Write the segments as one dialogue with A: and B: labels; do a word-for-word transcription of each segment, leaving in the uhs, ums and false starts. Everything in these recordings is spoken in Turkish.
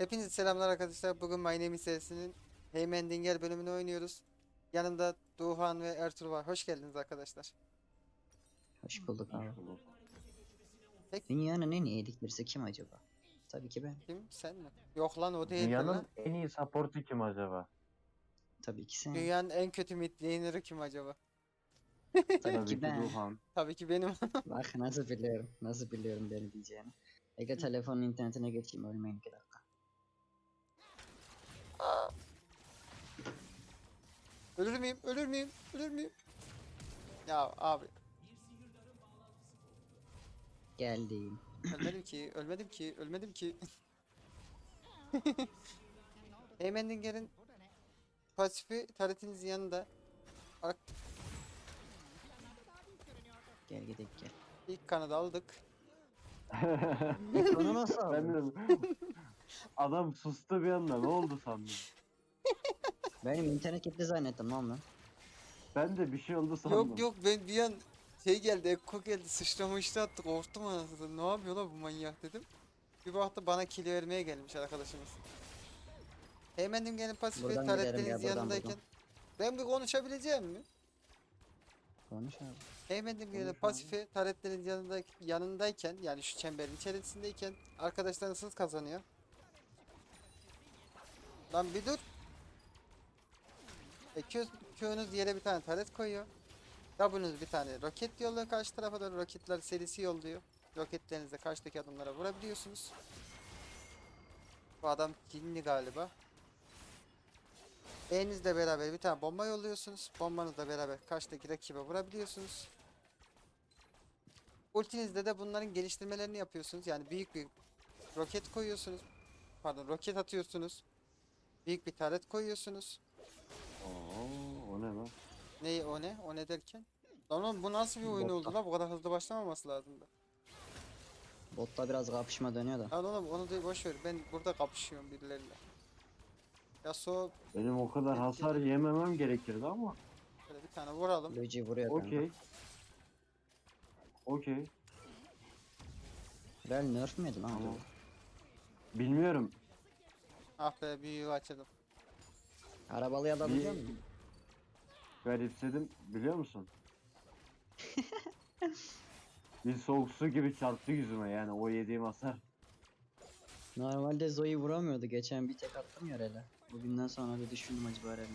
A: Hepinize selamlar arkadaşlar. Bugün My Name is serisinin Heymen Dinger bölümünü oynuyoruz. Yanımda Doğan ve Ertuğrul var. Hoş geldiniz arkadaşlar.
B: Hoş bulduk abi.
C: Hoş bulduk.
A: Peki
B: Dünyanın en iyi editlerisi kim acaba? Tabii ki ben.
A: kim? Sen mi? Yok lan o değildir lan.
C: Dünyanın en iyi support'u kim acaba?
B: Tabii ki sen.
A: Dünyanın en kötü mid laner'ı kim acaba?
B: Tabii
C: Tabii
B: ki
C: ki
B: ben.
C: Duhan.
A: Tabii ki benim.
B: Bak nasıl biliyorum. Nasıl biliyorum beni diyeceğini. Ege telefonun internetine geçeyim, ölmeyin iki dakika.
A: Ölür müyüm? Ölür müyüm? Ölür müyüm? Ya abi.
B: Geldim.
A: Ölmedim ki. Ölmedim ki. Ölmedim ki. Heymen Dinger'in pasifi taretinizin yanında. Ar-
B: Gel gidelim gel.
A: İlk kanadı aldık.
B: Onu nasıl
C: Ben
B: aldın?
C: de... Adam sustu bir anda, ne oldu sandım.
B: Benim internet gitti zannettim lan ben.
C: Ben de bir şey oldu sandım.
A: Yok yok ben bir an şey geldi, Ekko geldi, sıçramıştı attı, korktum anasını. Ne yapıyor lan bu manyak dedim. Bir baktı bana kill vermeye gelmiş arkadaşımız. Hemen gelin pasifi
B: Buradan giderim ya,
A: taretleriniz
B: buradan,
A: yanındayken.
B: buradan.
A: Ben bir konuşabileceğim mi?
B: Konuş abi.
A: Hemen gelin
C: Konuş abi.
A: pasifi taretlerin yanında, yanındayken yani şu çemberin içerisindeyken arkadaşlarınız kazanıyor. Lan bir dur. E, Q, Q'nuz yere bir tane taret koyuyor. W'nuz bir tane roket yolluyor, karşı tarafa da roketler serisi yolluyor. Roketlerinizle karşıdaki adımlara vurabiliyorsunuz. Bu adam cinli galiba. E'nizle beraber bir tane bomba yolluyorsunuz. Bombanızla beraber karşıdaki rakibe vurabiliyorsunuz. Ultinizde de bunların geliştirmelerini yapıyorsunuz. Yani büyük bir roket koyuyorsunuz. Pardon, roket atıyorsunuz. Büyük bir taret koyuyorsunuz.
C: Oo, o ne lan?
A: Ne o ne? O ne derken? Lan oğlum bu nasıl bir oyun oldu
B: Botta.
A: la? Bu kadar hızlı başlamaması lazımdı.
B: Botta biraz kapışma dönüyor da.
A: Lan oğlum onu da boş ver. Ben burada kapışıyorum birileriyle. Yasuo
C: Benim o kadar hasar yememem gerekirdi ama.
A: şöyle bir tane vuralım.
B: Luigi vuruyor kanka.
C: Okey. Okey.
B: Real nerf mi yedi lan
C: Tamam.
B: acaba?
C: Bilmiyorum.
A: Ah be büyüğü açalım.
B: Arabalıya da
C: Bir
B: alacak mısın?
C: garipsedim, biliyor musun? Bir soğuk su gibi çarptı yüzüme, yani o yediğim hasar.
B: Normalde Zoe vuramıyordu. Geçen bir tek attım ya Real'e. Bugünden sonra bir düşündüm acaba Real'e.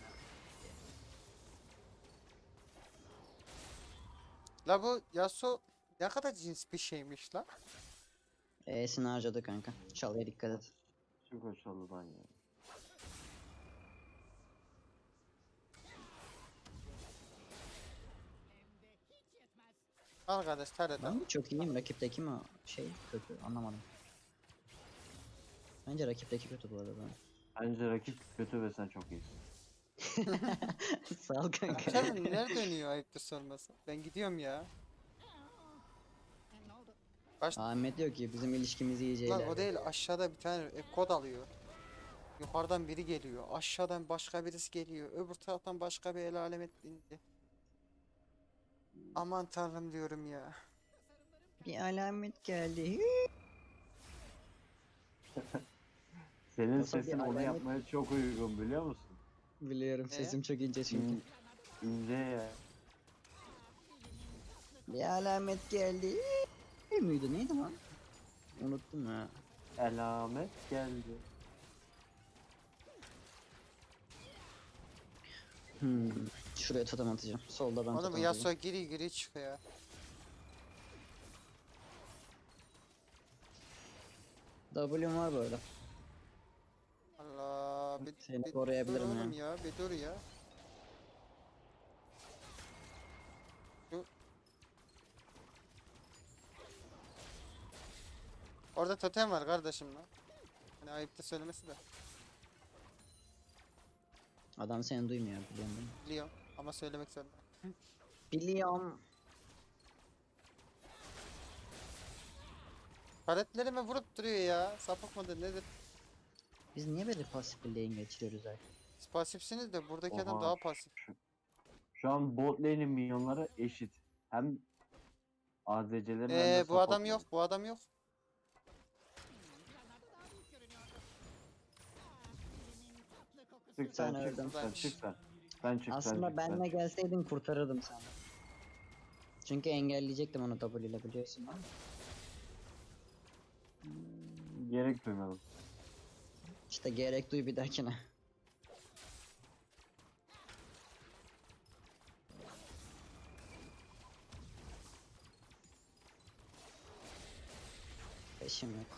A: La bu Yasuo ne kadar cins bir şeymiş la.
B: E'sini harcadı kanka. Çalıya dikkat et.
C: Çok hoşlandıdan ya.
A: Arkadaş taret al.
B: Ben mi çok iyiyim? Rakipteki mi şey kötü? Anlamadım. Bence rakipteki kötü bu arada.
C: Bence rakip kötü ve sen çok iyisin.
B: Sağ ol kanka.
A: Canım nerede dönüyor ayıptır sorması. Ben gidiyorum ya. Baş...
B: Ahmet diyor ki bizim ilişkimiz iyice
A: Lan o
B: ilerledi.
A: değil, aşağıda bir tane e, kod alıyor. Yukarıdan biri geliyor. Aşağıdan başka birisi geliyor. Öbür taraftan başka bir el alemet indi. Aman tanrım diyorum ya.
B: Bir alamet geldi.
C: Senin
B: Nasıl bir
C: sesin onu
B: alamet-
C: yapmaya çok uygun, biliyor musun?
B: Biliyorum
A: Ne?
B: sesim çok ince çünkü.
C: İn, ince ya.
B: Bir alamet geldi. Müydü neydi lan? Unuttum ya.
C: Elamet geldi.
B: Hmm. Şuraya totem atacağım. Solda ben
A: Oğlum bu
B: totem
A: Yasuo
B: atacağım.
A: giri giri çıkıyor.
B: W'm var böyle.
A: Allah bir,
B: Seni
A: bir
B: koruyabilirim
A: dur oğlum
B: ya.
A: ya. Bir dur ya. Şu... Orada totem var kardeşim lan. Hani ayıp da söylemesi de.
B: Adam seni duymuyor biliyorum değil mi?
A: Biliyorum ama söylemek zorunda.
B: Biliyorum.
A: Paletlerime vurup duruyor ya. Sapık mıdır nedir?
B: Biz niye böyle pasif bir lane geçiriyoruz artık?
A: Siz pasifsiniz de buradaki adam
C: Oha,
A: daha pasif.
C: Şu, şu an bot lane'in minyonları eşit. Hem A D C'lerin hem de
A: Eee bu adam
C: supportların.
A: yok, bu adam yok.
C: Çık
B: Sen
C: sen çık
B: öldün.
C: sen çık sen. Sen çık sen
B: Aslında
C: çık sen.
B: benle gelseydin kurtarırdım seni. Çünkü engelleyecektim onu W ile biliyorsun ama.
C: Gerek duymadım.
B: İşte gerek duy bir dahakine. Peşim yok.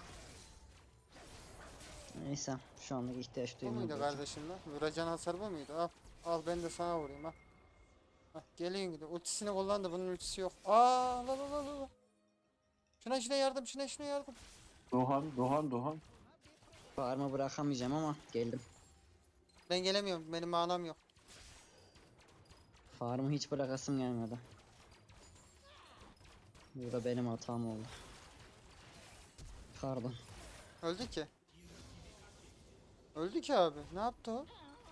B: Neyse şu anlık ihtiyaç
A: Bu muydu
B: duymuyorum.
A: kardeşim lan? Vuracağın hasar bu muydu? Al. Al ben de sana vurayım ha. Hah, geliyor gidiyor. Ultisini kullandı. Bunun ultisi yok. Aa la la la la la. Şuna şuna yardım. Şuna şuna yardım.
C: Doğan Doğan Doğan.
B: Farmı bırakamayacağım ama geldim.
A: Ben gelemiyorum. Benim manam yok.
B: Farmı hiç bırakasım gelmedi. Bu da benim hatam oldu. Pardon.
A: Öldü ki. Öldü ki abi. Ne yaptı o?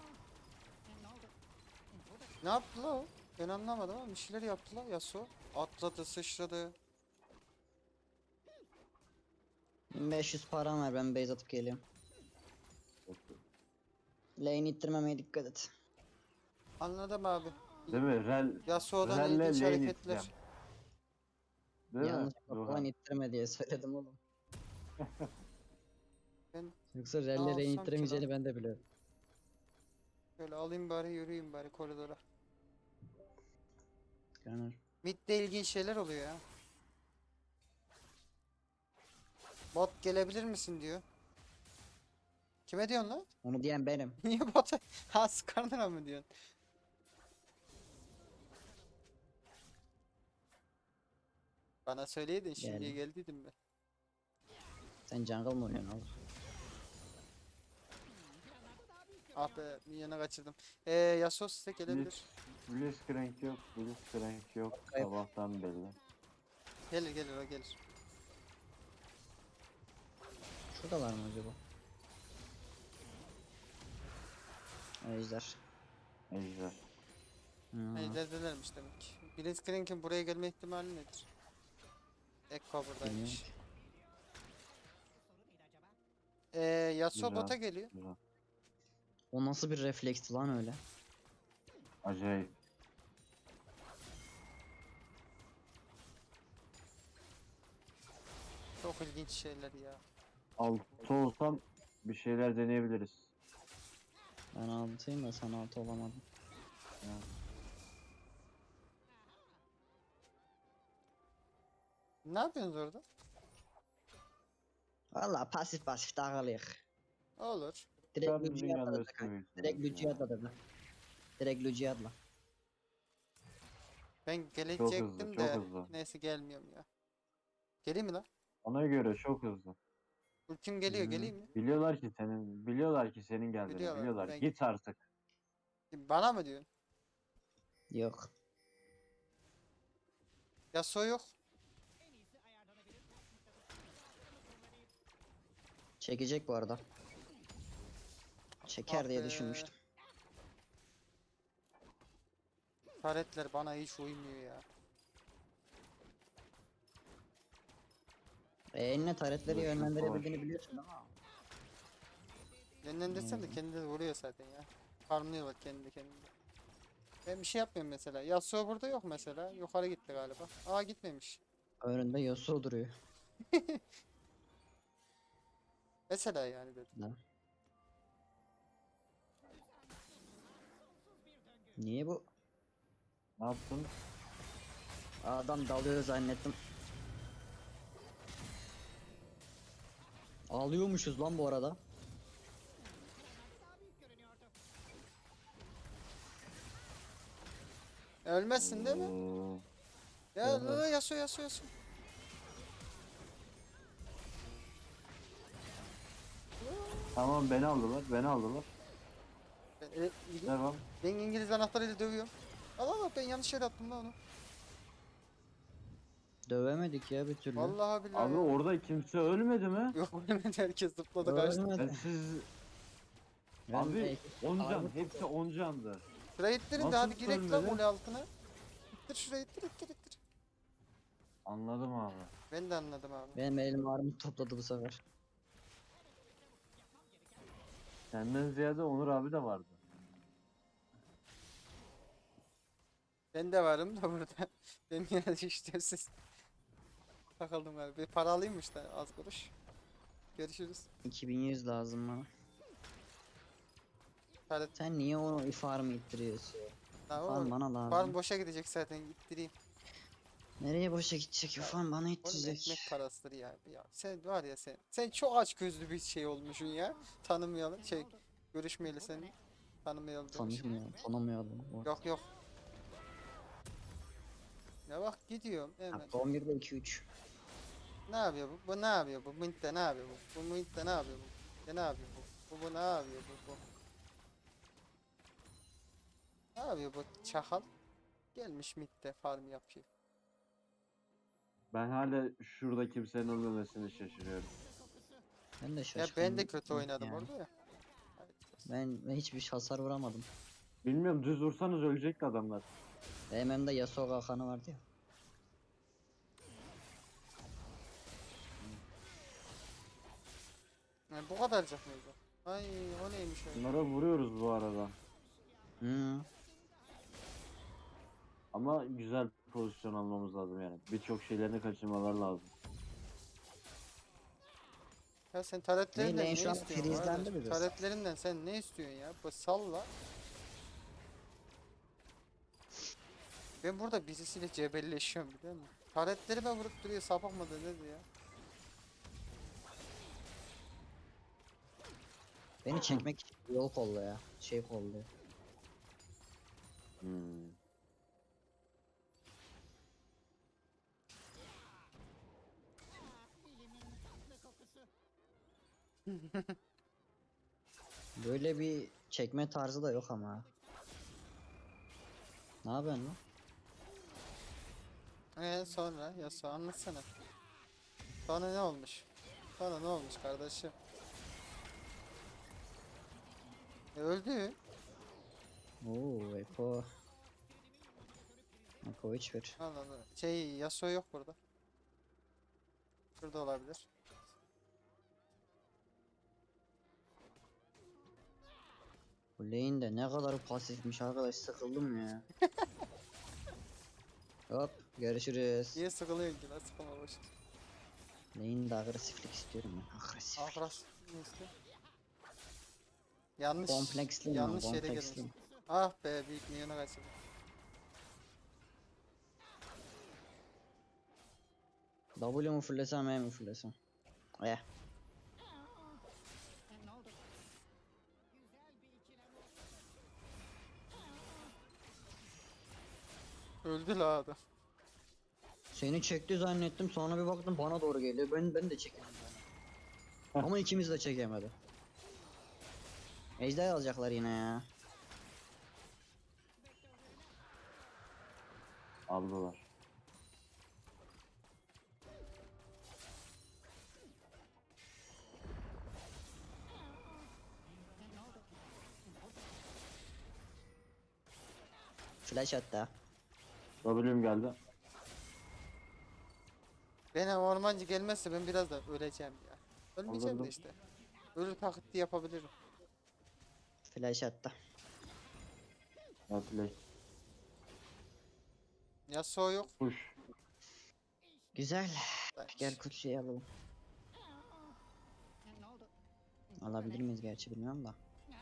A: Ne yaptı la o? Ben anlamadım ama bir şeyler yaptı la Yasuo. Atladı, sıçradı.
B: bin beş yüz param ver, ben base atıp geliyorum. Lane ittirmemeye dikkat et.
A: Anladım abi.
C: Değil mi? Rel,
A: Yasuo'dan
C: Relle
A: ilginç
C: lane
A: hareketler.
C: iteceğim. Değil mi?
B: Yanlışlıkla falan
C: Doğan.
B: ittirme diye söyledim oğlum.
A: Ben
B: Yoksa
A: ne
B: relle lane
A: alsam ki
B: ittiremeyeceğini
A: lan?
B: ben de biliyorum.
A: Şöyle alayım bari yürüyeyim bari koridora.
B: Gunner.
A: Mid'de ilginç şeyler oluyor ya. Bot gelebilir misin diyor. Kime diyorsun lan?
B: Onu diyen benim.
A: Niye bota? Ha Skarner'a mı diyorsun? Bana söyleydin şimdiye
B: Geldim.
A: geldiydim ben.
B: Sen jungle mı oynuyorsun oğlum?
A: Ah be minyonu kaçırdım. Ee, Yasuo size gelebilir.
C: Blitzcrank yok. Blitzcrank yok.
B: Kayıp.
C: Sabahtan belli.
A: Gelir gelir o gelir.
B: Şuradalar mı acaba? Ejder.
C: Ejder.
B: Hmm.
A: Ejderdelermiş demek ki. Blitzcrank'in buraya gelme ihtimali nedir? Ekko
B: Bilmiyorum
A: buradaymış.
B: ki.
A: Ee, Yasuo
C: Güzel.
A: bota geliyor.
C: Güzel.
B: O nasıl bir refleksti lan öyle?
C: Acayip.
A: Çok ilginç şeyler ya.
C: Altı olsam bir şeyler deneyebiliriz.
B: Ben altıyım da sen altı olamadın.
A: Ne yapıyorsunuz orada?
B: Valla pasif pasif takılıyık.
A: Olur.
B: Direkt
C: Ben
B: Luci'ye
C: dünyanın
B: atladı.
C: üstüne büyüksün
B: Direkt
C: belki
B: Luci'ye
C: ya.
B: atladı. Direkt Luci'ye atla.
A: Ben
C: Çok
A: gelecektim
C: hızlı, çok
A: de
C: hızlı.
A: neyse gelmiyorum ya. Geleyim mi lan?
C: Ona göre çok hızlı.
A: Ultim geliyor
B: Hmm.
A: geleyim mi?
C: Biliyorlar ki senin, biliyorlar ki senin geldiğini,
A: Biliyorlar,
C: biliyorlar.
A: ben-
C: Git artık.
A: Bana mı diyorsun?
B: Yok.
A: Yasuo yok.
B: Çekecek bu arada. Çeker
A: Ah
B: diye
A: be.
B: düşünmüştüm.
A: Taretler bana hiç uymuyor ya.
B: E, eline taretleri
C: Dur, şu
B: yönlendirebildiğini biliyorsun ama.
A: Yönlendirsen de
B: Hmm.
A: kendileri vuruyor zaten ya. Farmlıyorlar kendi kendine. Ben bir şey yapmıyorum mesela. Yasuo burada yok mesela. Yukarı gitti galiba. Aa gitmemiş.
B: Önünde Yasuo duruyor.
A: Mesela yani dedim.
B: Ne? Niye bu?
C: Ne yaptın?
B: Adam dalıyor zannettim. Ağlıyormuşuz lan bu arada.
A: Ölmezsin değil mi?
C: Oo,
A: Ya
B: Evet.
A: la, la, Yasuo Yasuo Yasuo.
C: Tamam beni aldılar, beni aldılar.
A: Ben, e, İngi-
C: Devam.
A: ben İngiliz anahtarıyla dövüyorum. Al al al, ben yanlış yere attım lan onu.
B: Dövemedik ya bir türlü.
A: Vallahi billahi.
C: Abi
A: ya.
C: orada kimse ölmedi mi?
A: Yok ölmedi, herkes zıpladı kaçtı.
C: Ben
B: Ölmedi.
C: siz...
B: Ben
C: Abi
B: de-
C: on can,
B: Armut-
C: hepsi on candı.
A: Şurayı ittirin de
C: Nasıl
A: hadi girek lan
C: ölmedi?
A: kule altına. İttir şurayı ittir ittir ittir.
C: Anladım abi.
A: Ben de anladım abi.
B: Benim elim armut topladı bu sefer.
C: Senden ziyade Onur abi de vardı.
A: Ben de varım da burada. Ben yine işte siz. Takıldım galiba. Bir para alayım da az kuruş. Görüşürüz.
B: iki bin yüz lazım bana.
A: Taret.
B: Sen niye onu farm ittiriyorsun?
A: Ha, o
B: Farm bana lazım.
A: farm boşa gidecek zaten, ittireyim.
B: Nereye boşa gidecek? Farm bana
A: Oğlum
B: ittirecek.
A: ekmek parasıdır ya. Ya sen var ya sen. Sen çok aç gözlü bir şey olmuşsun ya. Tanımayalım. Şey, görüşmeyeli seni. Tanımayalım demiş.
B: Tanımıyorum, tanımıyordum.
A: Yok yok. Ya bak gidiyorum hemen.
B: on birde iki üç.
A: Ne yapıyor bu? Bu ne yapıyor bu? Mintte ne yapıyor bu? Bu Mintte ne yapıyor bu? Ya ne yapıyor bu? Bu bu ne yapıyor bu? Bu. Ne yapıyor bu çakal? Gelmiş Mitte farm yapıyor.
C: Ben hala şurada kimsenin ölmemesini şaşırıyorum.
B: Ben de
A: Ya
B: şaşkınım.
A: ben de kötü oynadım
B: yani.
A: orada ya. Evet.
B: Ben, ben hiçbir hasar vuramadım.
C: Bilmiyorum, düz vursanız ölecekti adamlar.
B: Benim hem de Yasuo kalkanı vardı ya.
A: Yani bu kadarcık mıydı? Ay o neymiş öyle?
C: Bunlara vuruyoruz bu arada.
B: Hı.
C: Ama güzel pozisyon almamız lazım yani. Birçok şeylerini kaçırmalar lazım.
A: Ya sen taretlerinden
B: Neyle
A: ne
B: şu an
A: istiyorsun?
B: frizlendi
A: kardeş?
B: biraz.
A: Taretlerinden sen ne istiyorsun ya? Bu salla. Ben burada birisiyle cebelleşiyorum biliyor musun? Taretlerime vurup duruyor, sapık mıdır nedir ya?
B: Beni çekmek için yol kolla ya. Şey kolluyor.
C: Hmm.
B: Böyle bir çekme tarzı da yok ama. Ne yapıyorsun lan?
A: Ee sonra ya sonra anlatsana. Sonra ne olmuş? Sonra ne olmuş kardeşim? E, öldü.
B: Oo, Eko. Eko hiç ver.
A: Allah Allah. Şey Yasuo yok burada. Şurada olabilir.
B: Bu lane de ne kadar pasifmiş arkadaş, sıkıldım ya. Hop görüşürüz.
A: Niye sıkılıyorsun ki lan, sıkılma boş.
B: Lane'de agresiflik istiyorum ben. Agresiflik.
A: Ahras. Ne istiyor? Yanlış.
B: Kompleksliyim ben,
A: yanlış yere gelmiş.
B: kompleksliyim.
A: Ah be, büyük milyona kaçırdım.
B: W mu fullesem E mi fullesem? Eh.
A: Öldü la adam.
B: Seni çekti zannettim, sonra bir baktım bana doğru geliyor. Ben ben de çekemedim. Ama ikimiz de çekemedi. Ejder alacaklar yine ya.
C: Aldılar.
B: Flash attı.
C: W'm geldi.
A: Benim ormancı gelmezse ben biraz da öleceğim ya. Ölmeyeceğim de
C: Anladım.
A: işte. Ölür taklidi yapabilirim.
B: Flash attı.
C: Atlet.
A: Yasuo yok.
C: Push.
B: Güzel.
A: Ben-
B: Gel kutsuyu alalım. Alabilir miyiz gerçi bilmiyorum da.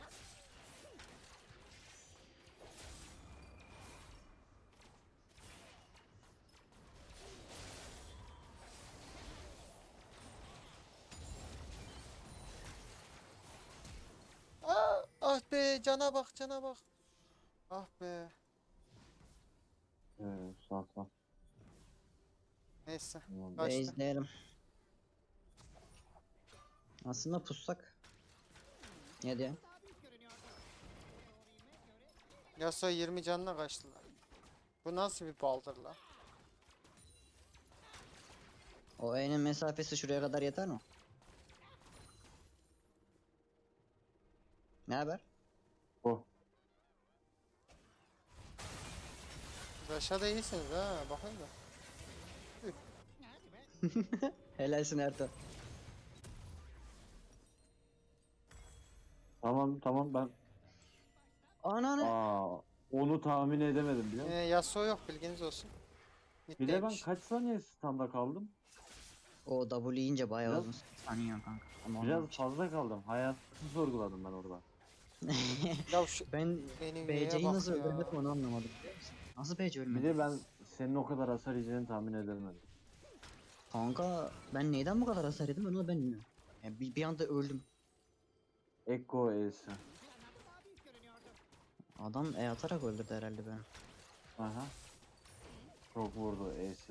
A: Aa, ah be, cana bak cana bak. Ah be.
C: Evet, sağ sağ.
A: Neyse.
C: Tamam.
A: Kaçtı.
B: Base'leyelim. Aslında pussak. Ne diyor?
A: Yasuo yirmi canına kaçtı lan. Bu nasıl bir baldır la?
B: O E'nin mesafesi şuraya kadar yeter mi? Ne haber?
C: Oh.
A: Aşağıda iyisiniz ha, bakın da.
B: Helalsin Ertan.
C: Tamam tamam ben.
B: Ananı.
C: Aa, Onu tahmin edemedim biliyor
A: Ee,
C: musun?
A: Yasuo yok, bilginiz olsun.
C: Bir de ben
A: Middeymiş.
C: kaç saniye standa kaldım?
B: O W yiyince bayağı
C: Biraz-
B: uzun saniye kanka. Ama
C: Biraz
B: olmamış.
C: fazla kaldım. Hayatı sorguladım ben orada.
A: Ya şu
B: Ben
A: Envy'ye
B: B C'yi
A: bak
B: nasıl
A: ya.
B: öldürdüm onu anlamadım biliyor musun? Nasıl B C
C: Bir
B: ölmedi?
C: de ben senin o kadar hasar yiyeceğini tahmin edemedim.
B: Kanka ben neyden bu kadar hasar yedim onu da ben bilmiyorum. Yani bir, bir anda öldüm.
C: Ekko E'si.
B: Adam E atarak öldürdü herhalde beni.
C: Aha. Çok vurdu E'si.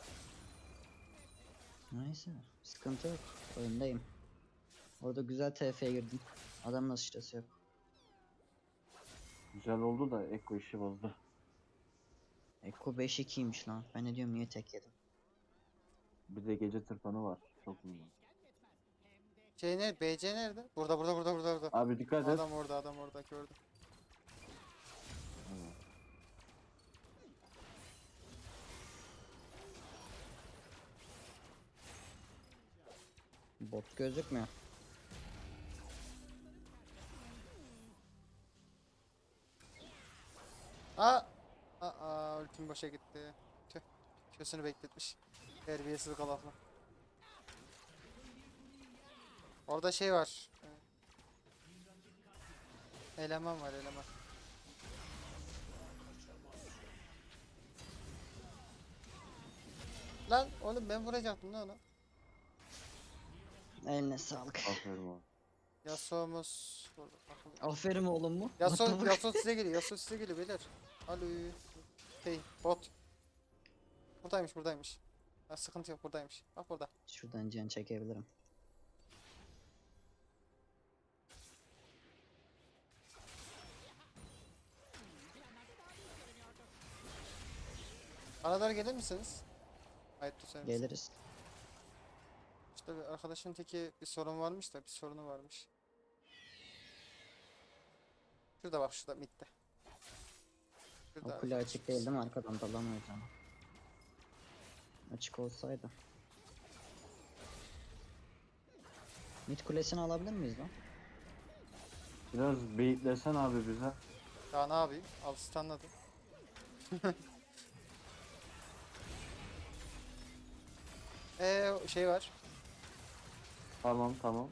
B: Neyse sıkıntı yok. Öndeyim. Orada güzel T F'ye girdim. Adamın sıçrası yok.
C: Güzel oldu da Ekko işi bozdu.
B: Ekko beş ikiymiş lan. Ben ne diyorum niye tek yedim.
C: Bir de gece tırpanı var. Çok iyi.
A: Şey ne? B C nerede? Burada burada burada burada burada.
C: Abi dikkat et.
A: Adam orada, adam orada, gördüm.
C: Evet.
B: Bot gözükmüyor.
A: Aa! Aa, ultim boşa gitti. Tüh. Kösünü bekletmiş. Terbiyesiz kalafla. Orada şey var. Eleman var, eleman. Lan oğlum ben vuracaktım lan onu.
B: Eline sağlık.
C: Aferin oğlum.
A: Yasuo'muz burada. Bakın.
B: Aferin oğlum mu?
A: Yasuo,
B: What the fuck?
A: Yasuo size geliyor. Yasuo size geliyor beyler. Alo. Hey bot. Buradaymış, buradaymış. Ha, sıkıntı yok, buradaymış. Bak burada.
B: Şuradan can çekebilirim.
A: Bana doğru gelir misiniz? Hayır, sen misin?
B: Geliriz.
A: İşte bir arkadaşın teki bir sorun varmış da bir sorunu varmış. Şurada bak, şurada midde. Şurada.
B: O kule açık değil değil mi? Arkadan dalamıyoruz ama. Açık olsaydı. Mid kulesini alabilir miyiz lan?
C: Biraz beyitlesen abi bize.
A: Ya ne yapayım? Al stunladı. Eee şey var.
C: Tamam tamam.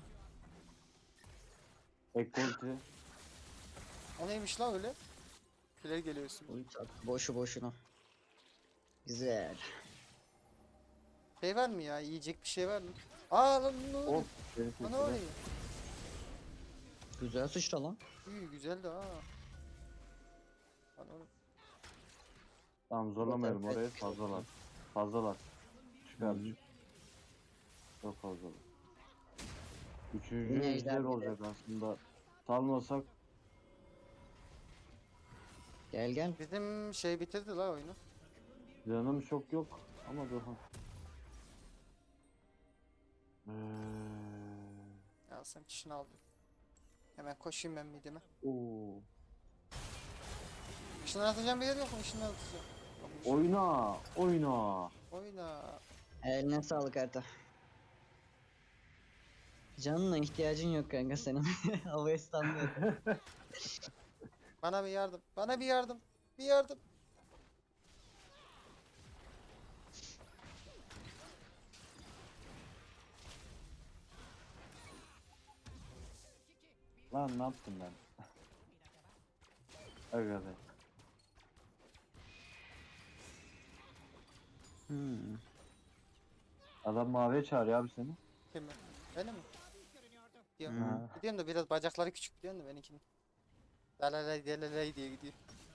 C: Ekko ulti.
A: O neymiş lan öyle? Kule geliyorsun.
B: Ulti at. Boşu boşuna. Güzel.
A: Şey var mı ya? Yiyecek bir şey var mı? Aa lan ne oluyor?
C: Of. Beni
A: Lan ne
C: kesildi.
A: oluyor?
B: Güzel sıçra lan.
A: İyi güzeldi ha. Lan oğlum.
C: Tamam zorlamayalım
B: Zaten
C: orayı
B: pek-
C: fazlalar. Fazlalar. Çıkar
B: Hı.
C: çık. Çok fazlalar.
B: Yine
C: Üçüncü
B: ejder
C: ejder
B: gibi.
C: olacak aslında. Salmasak
B: Gel gel.
A: Bizim şey bitirdi la oyunu.
C: canım çok yok ama dur ha. Ee,
A: Ya sen kişini aldım. Hemen koşayım ben midime.
C: oo.
A: Işınlatacağım bir yer yok mu? Işınlatacağım. Yokmuş.
C: Oyna, oyna.
A: Oyna.
B: Eline sağlık Erta. Canına ihtiyacın yok kanka senin. Havaya standıyor.
A: Bana bir yardım. Bana bir yardım. Bir yardım.
C: Lan ne yaptım ben? Aga be.
B: Hmm.
C: Adam maviye çağırıyor abi seni.
A: Kim mi? Öyle mi? Gidiyorum.
B: Hmm.
C: Ha.
A: Gidiyorum da biraz bacakları küçük diyorsun da benimkinin. Dalalay dalalay diye gidiyor.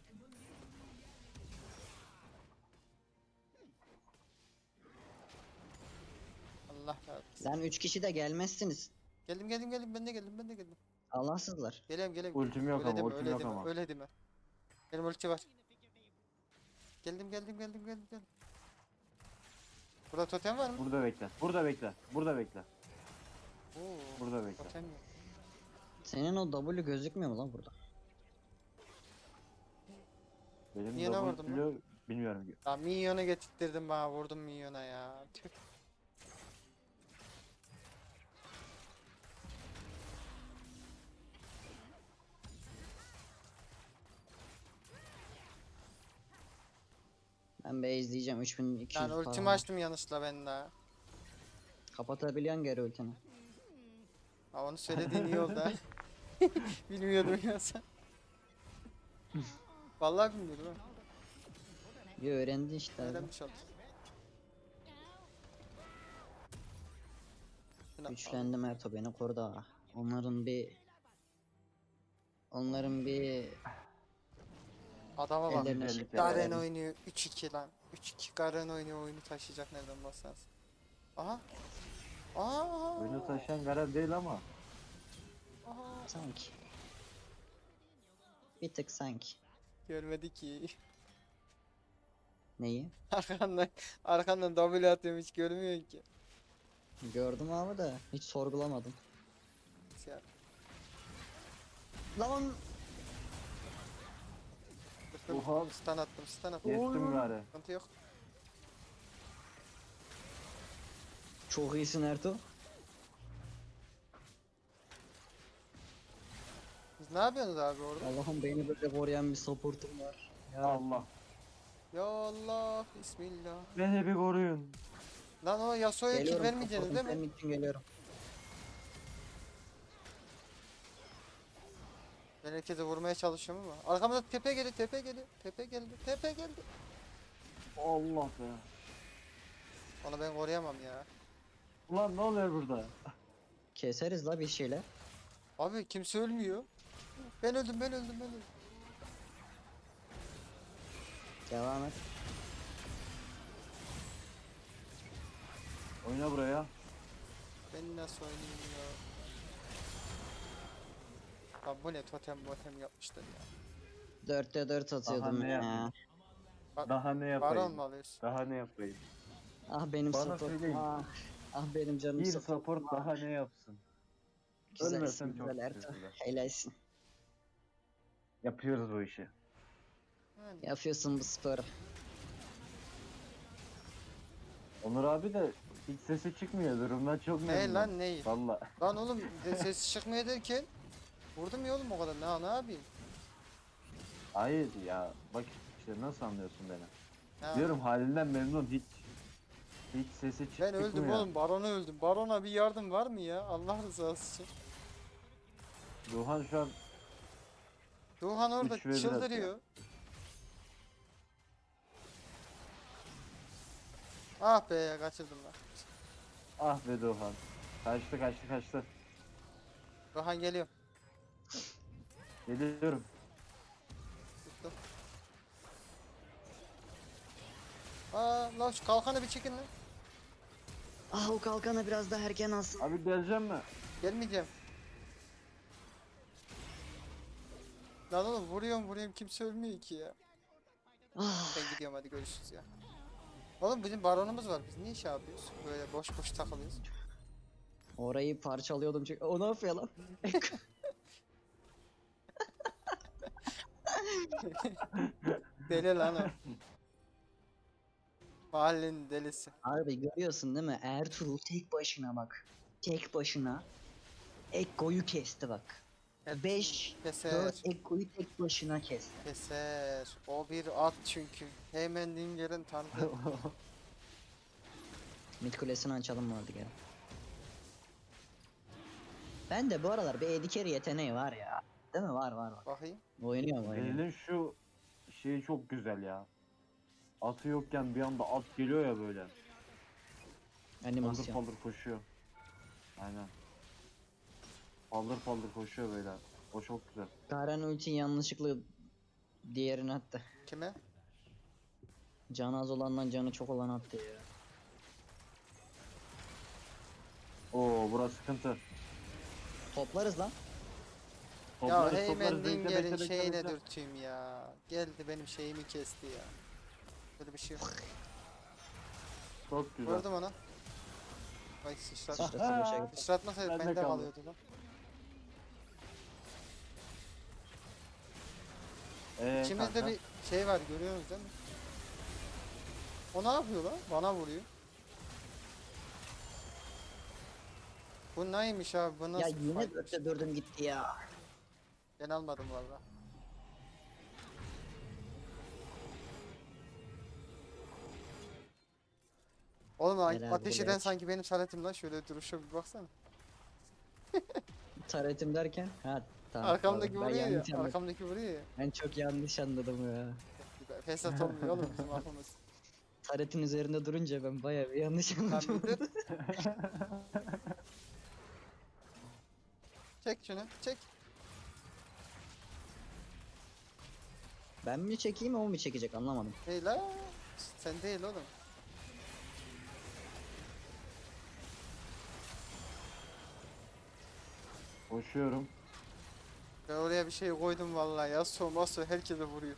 A: Allah razı olsun.
B: Lan üç kişi de gelmezsiniz.
A: Geldim geldim geldim, ben de geldim ben de geldim.
B: Allahsızlar.
A: Geliyorum geliyorum.
C: Ultim yok
A: öyle
C: ama,
A: deme,
C: ultim
A: öyle
C: yok
A: deme,
C: ama.
A: öyle deme. Benim ulti var. Geldim geldim geldim geldim geldim. Burada totem var mı?
C: Burada bekle. Burada bekle. Burada bekle.
A: Oo,
C: Burada bekle.
A: totem yok.
B: Senin o W gözükmüyor mu lan burada?
C: Benim
A: Niye ne
C: double
A: vurdun lan?
C: kilo bilmiyorum.
A: Ya minyonu getirttirdim bana, vurdum minyona ya. Tüh.
B: Ben be izleyeceğim üç bin iki yüz
A: Yani ultimi
B: falan.
A: açtım yanlışla ben daha.
B: Kapatabiliyorsun geri ultini.
A: Ha onu söylediğin iyi oldu ha. Bilmiyordum ya sen. Vallahi bilmiyordum ha.
B: Bir öğrendin işte abi.
A: Öğrenmiş oldum. Şuna al.
B: Güçlendim Erto beni korudu ha. Onların bir... Onların bir...
A: Adama bak.
B: Ellerine
C: Güzellik
B: şeker
A: Garen
B: verelim.
A: oynuyor üç iki lan. üç iki Garen oynuyor, oyunu taşıyacak nereden baksanız. Aha. Aa.
C: Oyunu taşıyan Garen değil ama.
A: Aha.
B: Sanki. Bir tık sanki.
A: Görmedi ki.
B: Neyi?
A: Arkandan arkandan W atıyorum hiç görmüyorsun ki.
B: Gördüm abi de hiç sorgulamadım.
A: Ya,
B: Lan
A: dur,
C: Oha.
A: stun attım, stun attım.
C: Kestim gari.
A: Sıkıntı yok.
B: çok iyisin Erto.
A: Siz ne yapıyorsunuz abi orada?
B: Allah'ım beni böyle koruyan bir supportum var. Ya
C: Allah.
A: Ya Allah, bismillah.
C: Beni bir koruyun.
A: Lan o Yasuo'ya kill
B: geliyorum
A: vermeyeceksiniz
B: supportum
A: değil mi?
B: senin için geliyorum.
A: Ben herkese vurmaya çalışıyorum ama. Arkamda tepe geldi, tepe geldi, tepe geldi, tepe geldi.
C: Allah be.
A: Onu ben koruyamam ya.
C: Ulan ne oluyor burada?
B: Keseriz la bir şeyler.
A: Abi kimse ölmüyor. Ben öldüm, ben öldüm, ben öldüm.
B: Devam et.
C: Oyna buraya.
A: Ben nasıl oynayayım ya? Abi bu ne totem motem yapmışlar ya.
B: Dörtte dört atıyordum
C: ne
B: ya.
C: yapayım?
A: Ba-
C: Daha ne
A: Baron
C: yapayım?
A: mu alıyorsun?
C: Daha ne yapayım?
B: Ah benim
C: Bana
B: support.
C: söyleyin.
B: Ah, ah benim canım
C: Bir
B: support.
C: support daha ne yapsın?
B: Güzelsin
C: Ölmesem çok
B: güzel Erto.
C: teşekkürler.
B: Helalsin.
C: Yapıyoruz bu işi.
A: Yani.
B: Yapıyorsun bu sporu.
C: Onur abi de hiç sesi çıkmıyor. Durumdan çok
A: Ne
C: memnun.
A: lan neyi?
C: Valla.
A: Lan oğlum de- ses çıkmıyor derken vurdum ya oğlum o kadar. Ne, ne yapayım?
C: Hayır ya. Bak işte nasıl anlıyorsun beni?
A: Ha.
C: Diyorum halinden memnun hiç. Hiç sesi çık
A: Ben öldüm
C: çıkmıyor.
A: oğlum. Barona öldüm. Barona bir yardım var mı ya? Allah rızası için.
C: Duhan şu an
A: Doğan orada
C: Üç ve bir
A: çıldırıyor. Ah be kaçırdım lan.
C: ah be Duhan. Kaçtı kaçtı kaçtı.
A: Doğan geliyor.
C: Geliyorum.
A: Tuttum. Aa lan şu kalkanı bir çekin lan.
B: Ah o kalkanı biraz daha erken alsın.
C: Abi geleceğim mi?
A: Gelmeyeceğim. Lan oğlum vuruyorum vuruyorum kimse ölmüyor ki ya.
B: Ah,
A: Ben gidiyorum hadi görüşürüz ya. Oğlum bizim baronumuz var. Biz niye şey yapıyoruz? Böyle boş boş takılıyoruz.
B: orayı parçalıyordum çünkü. O ne yapıyor lan?
A: Deli lan o. Mahallenin delisi.
B: Abi görüyorsun değil mi? Ertuğrul tek başına bak. Tek başına Ekko'yu kesti bak. beş
A: Keser.
B: dört Ekko'yu tek başına kesti.
A: Keser. O bir at çünkü. Hemen Dinger'in tanıdığı.
B: Mid kulesini açalım vardı gel. Ben de bu aralar bir A D carry yeteneği var ya. Değil mi? Var var var.
A: Bakayım.
B: Oynuyor oynuyor.
C: Elin şu şeyi çok güzel ya. Atı yokken bir anda at geliyor ya böyle. Paldır
B: Animasyon.
C: paldır koşuyor. Aynen. Paldır paldır koşuyor böyle. O çok güzel.
B: Garen ulti yanlışlıkla diğerini attı.
A: Kime?
B: Canı az olandan canı çok olan attı ya.
C: Oo burası sıkıntı.
B: Toplarız lan.
A: Ya
C: Toplarız,
A: Heyman
C: toplarız. Bekle,
A: Dinger'in
C: bekle, bekle,
A: şeyine
C: bekle.
A: dürteyim ya. Geldi benim şeyimi kesti ya. Böyle bir şey yok.
C: Çok güzel.
A: Vurdum ona. Ay sıçrat.
B: Sıçrası boşa gitti.
A: Sıçratmasaydı
C: Bende
A: bende
C: kaldı.
A: kalıyordu lan.
C: Ee,
A: İçimizde
C: kanka?
A: bir şey var görüyorsunuz değil mi? O ne yapıyor lan? Bana vuruyor. Bu neymiş abi? Bu
B: Ya
A: nasıl
B: yine
A: fightmiş?
B: dörtte dördüm gitti ya.
A: Ben almadım, evet, valla. Oğlum a-
B: Helal
A: ateş eden
B: bilek.
A: sanki benim saletim lan. Şöyle duruşa bir baksana.
B: Taretim derken? Ha tamam.
A: Arkamdaki
B: pardon. Ben
A: vuruyor
B: yanlış
A: ya.
B: anladım.
A: Arkamdaki vuruyor ya.
B: Ben çok yanlış anladım ya.
A: Fesat olmuyor oğlum bizim aklımız.
B: Taretin üzerinde durunca ben bayağı bir yanlış
A: Lan
B: anladım.
A: bir dur. Çek şunu çek.
B: Ben mi çekeyim o mu çekecek anlamadım.
A: Hey la. Sen değil oğlum.
C: Koşuyorum.
A: Ben oraya bir şey koydum vallahi. Yasuo maso herkese vuruyor.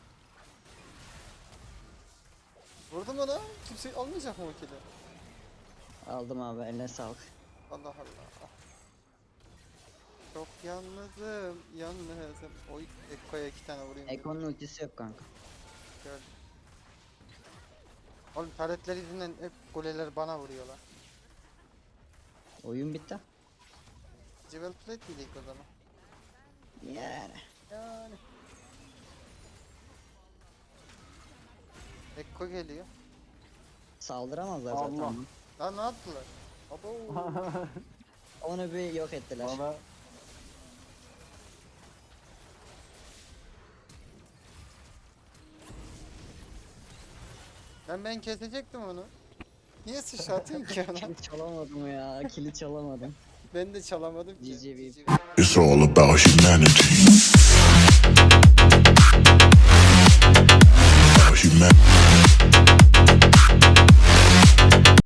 A: Vurdum ona. Kimse almayacak mı o kili?
B: Aldım abi eline sağlık.
A: Allah Allah. Çok yalnızım, yalnızım. Oy, Ekko'ya iki tane vurayım. dedim.
B: Ekon'un ultisi yok kanka.
A: Gördüm. Oğlum taretler yüzünden hep goleler bana vuruyorlar.
B: Oyun bitti.
A: Jewel Plate miydik o zaman?
B: Yani.
A: Yani. Ekko geliyor.
B: Saldıramazlar zaten.
C: Allah.
B: ama.
A: Lan ne yaptılar? Abo.
B: Onu bir yok ettiler.
C: Bana
A: Ben ben kesecektim onu. Niye sıçratıyorsun ki ona?
B: Kilit çalamadım ya. Kilit çalamadım.
A: Ben de çalamadım ki.
B: G G B.
A: G G.
D: It's all about humanity. About humanity.